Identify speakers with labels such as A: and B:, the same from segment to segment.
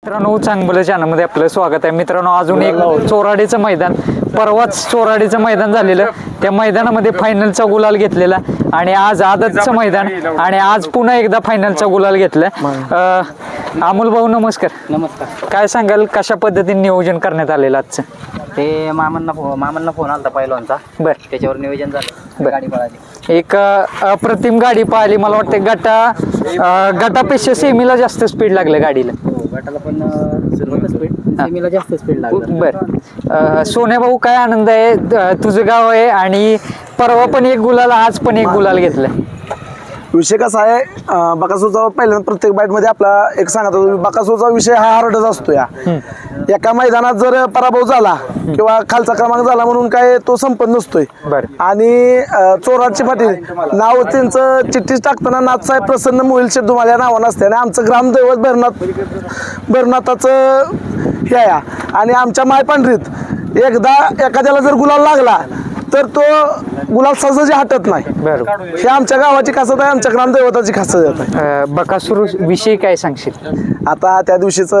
A: मित्रांनो चांगलं चॅनलमध्ये आपलं स्वागत आहे. मित्रांनो अजून एक चोराडीचं मैदान, परवाच चोराडीचं मैदान झालेलं, त्या मैदानामध्ये फायनलचा गुलाल घेतलेला आणि आज आदतचं मैदान आणि आज पुन्हा एकदा फायनलचा गुलाल घेतला. अमोल भाऊ नमस्कार.
B: नमस्कार.
A: काय सांगाल कशा पद्धतीने नियोजन करण्यात आलेलं आजचं?
B: ते मामांना फोन आलता पहिलवानचा,
A: बर
B: त्याच्यावर नियोजन झालं, गाडी पळाली.
A: एक अप्रतिम गाडी पाहिली. मला वाटतं गटापेक्षा सेमीला जास्त स्पीड लागलं गाडीला.
B: गटाला पण स्पीड, सेमीला जास्त स्पीड लागलं.
A: बर सोन्या भाऊ काय आनंद आहे, तुझं गाव आहे आणि परवा पण एक गुलाल आज पण एक गुलाल घेतलाय.
C: विषय कसा आहे, बकासूरचा पहिल्यांदा प्रत्येक बाईटमध्ये आपला एक सांगत होतो, बकासूरचा विषय हा हार्डच असतो. एका मैदानात जर पराभव झाला किंवा खालचा क्रमांक झाला म्हणून काय तो संपत नसतोय. आणि चोराची पाटील नाव त्यांचं चिठ्ठीच टाकताना नाथसाहेब प्रसन्न मोहिल शेठ तुम्हाला या नावानं असते आणि आमचं ग्रामदैवत भरनाथाचं हे आहे. आणि आमच्या मायपांढरीत एकदा एखाद्याला जर गुलाल लागला तर तो गुलाल सहजासहजी हटत नाही. हे आमच्या गावाची खासियत आहे, आमच्या ग्रामदैवताची खासियत आहे.
A: बकासूर विषयी काय सांगशील?
C: आता त्या दिवशीच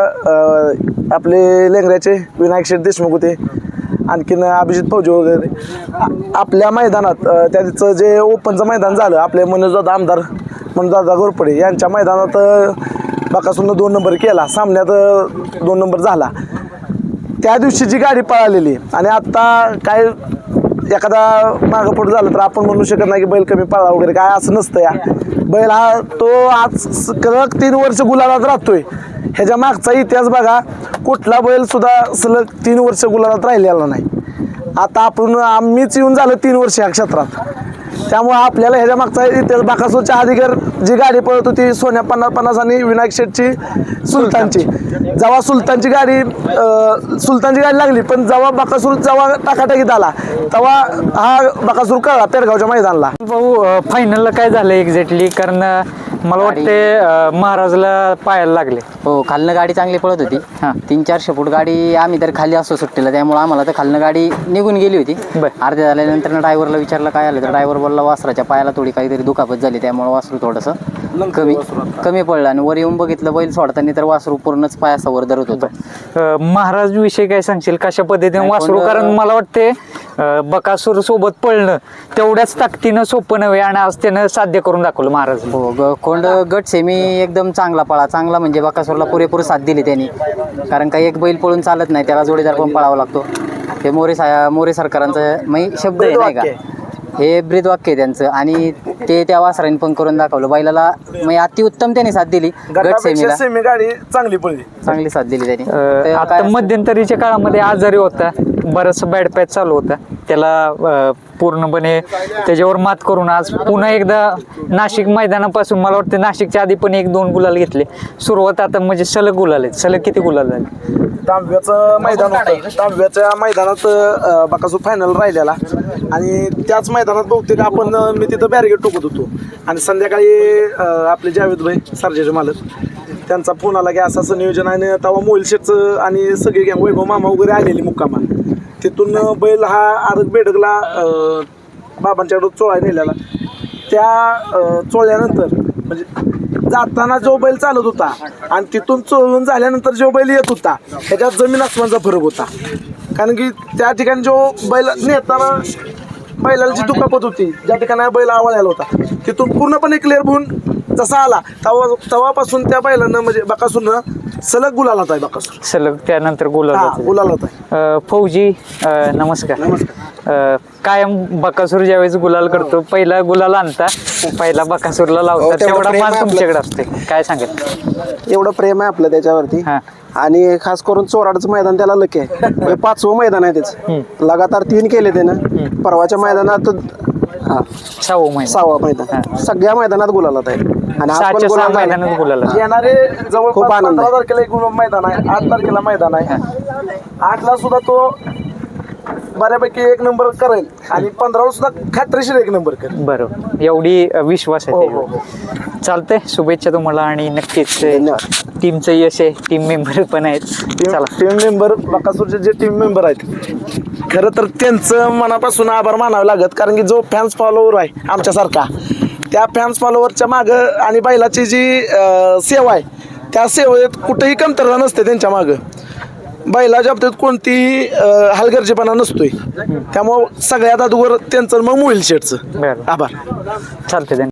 C: आपले लेंगऱ्याचे विनायक शेठ देशमुख होते, आणखीन अभिजित फौजी वगैरे आपल्या मैदानात त्याचं जे ओपनचं मैदान झालं, आपले मनोजदादा आमदार मनोजदादा घोरपडे यांच्या मैदानात बकासूरनं 2 नंबर केला, सामन्यात 2 नंबर झाला. त्या दिवशी जी गाडी पळालेली आणि आता काय एखादा मागं पुढं झालं तर आपण म्हणू शकत नाही की बैल कमी पळा वगैरे, काय असं नसतं. या बैल हा तो आज सलग 3 वर्ष गुलालात राहतोय. ह्याच्या मागचा इतिहास बघा, कुठला बैल सुद्धा सलग 3 वर्ष गुलालात राहिलेला नाही. आता आम्हीच येऊन झालं 3 वर्ष या क्षेत्रात, त्यामुळे आपल्याला ह्याच्या मागचा इतिहास, बकासूरच्या अधिकार जी गाडी पळत होती सोन्या 50-50 आणि विनायक शेठची सुलतानची, जेव्हा सुलतानची गाडी लागली, पण जेव्हा बकासूर टाकाटाकीत आला तेव्हा हा बकासूर कळला पेरगावच्या मैदानाला.
A: भाऊ फायनलला काय झालं एक्झॅक्टली? कारण मला वाटते महाराजला पायाला लागले.
B: हो, खालनं गाडी चांगली पळत होती. 300-400 फूट गाडी, आम्ही तर खाली असतो सुट्टीला, त्यामुळे आम्हाला तर खालनं गाडी निघून गेली होती. अर्ध्या झाल्यानंतर ड्रायव्हरला विचारलं काय आलं, तर ड्रायव्हर बोलला वासराच्या पायाला थोडी काहीतरी दुखापत झाली, त्यामुळे वासरू थोडंसं कमी पडलं. आणि वर येऊन बघितलं बैल सोडताना तर वासरू पूर्णच पायासावर धरत होतं.
A: महाराज विषयी काय सांगशील, कशा पद्धतीने वासरू? कारण मला वाटते बकासूर सोबत पळणं तेवढ्याच ताकदीनं सोपं नव्हे आणि आज त्यानं साध्य करून दाखवलं महाराज.
B: हो, कोंड गट सेमी एकदम चांगला म्हणजे बकासूरला पुरेपूर साथ दिली त्यांनी. कारण काही एक बैल पळून चालत नाही, त्याला जोडीदार पण पळावा लागतो. हे मोरे सरकारांचं शब्द आहे नाही का, हे ब्रीदवाक्य आहे त्यांचं. आणि ते त्या वासरांनी पण करून दाखवलं बैलाला, अतिउत्तम त्यांनी साथ दिली. गट सेमी
C: गाडी चांगली
B: साथ दिली त्यांनी.
A: आता मध्यंतरीच्या काळामध्ये आजारी होता, बरंच बॅड पॅच चालू होता, त्याला पूर्णपणे त्याच्यावर मात करून आज पुन्हा एकदा नाशिक मैदानापासून मला वाटतं नाशिकच्या आधी पण 1-2 गुलाल घेतले. सुरुवात आता म्हणजे सलग गुलाल आहेत. सलग किती गुलाल झाले?
C: तांब्याचं मैदान होतं, तांब्याच्या मैदानात बकासूर फायनल राहिलेला आणि त्याच मैदानात बहुतेक मी तिथं बॅरिगेट टोकत होतो आणि संध्याकाळी आपले जावेद भाई सर्जाचे मालक त्यांचा फोन आला की असं नियोजन आहे. तेव्हा मोहिल शेठचं आणि सगळे गँग वैभव मामा वगैरे आलेली मुक्कामा. तिथून बैल हा आरग बेडगला बाबांच्याकडं चोळा नेलेला. त्या चोळल्यानंतर म्हणजे जाताना जो बैल चालत होता आणि तिथून चोळून झाल्यानंतर जो बैल येत होता ह्याच्यात जमीन आसमानचा फरक होता. कारण की त्या ठिकाणी जो बैल नेताना बैलाला जी दुखापत होती, ज्या ठिकाणी बैल आवळायला होता, तिथून पूर्णपणे क्लिअर होऊन जसा आला तेव्हापासून त्या बैलानं म्हणजे बकासूरनं सलग गुलालात आहे. बकासूर
A: सलग त्यानंतर
C: गुलालात आहे.
A: फौजी नमस्कार. कायम बकासूर ज्यावेळेस गुलाल करतो, पहिला गुलाल आणता, पहिला बकासूरला लावता, तेवढा मान तुमच्याकडे असते, काय सांगेल?
D: एवढं प्रेम आहे आपलं त्याच्यावरती. आणि खास करून चोराडचं मैदान त्याला लकी आहे. 5वं मैदान आहे त्याचं, लगातार 3 केले त्यानं. परवाच्या मैदानात 6वं मैदान, सगळ्या मैदानात गुलालात आहे. आणि
A: मैदानात गुलाल
C: येणारे जवळपास 15 तारखेला एक मैदान आहे, 8 तारखेला मैदान आहे. 8ला सुद्धा तो बऱ्यापैकी 1 नंबर करेल आणि 15ला सुद्धा खात्रीशीर 1 नंबर करेल.
A: बरोबर, एवढी विश्वास आहे. चालतंय, शुभेच्छा तुम्हाला आणि नक्कीच टीमचं यश आहे. टीम मेंबर पण आहेत.
C: टीम मेंबर बकासूरचे जे टीम मेंबर आहेत खरं तर त्यांचं मनापासून आभार मानावे लागत. कारण की जो फॅन्स फॉलोवर आहे आमच्यासारखा, त्या फॅन्स फॉलोवरच्या मागं आणि बैलाची जी सेवा आहे त्या सेवेत कुठेही कमतरता नसते त्यांच्या मागं. बैलाच्या बाबतीत कोणतीही हलगर्जीपणा नसतोय. त्यामुळं सगळ्यात अगोदर त्यांचं मग मोहिल शेठचं
A: बरं
C: आभार.
A: चालते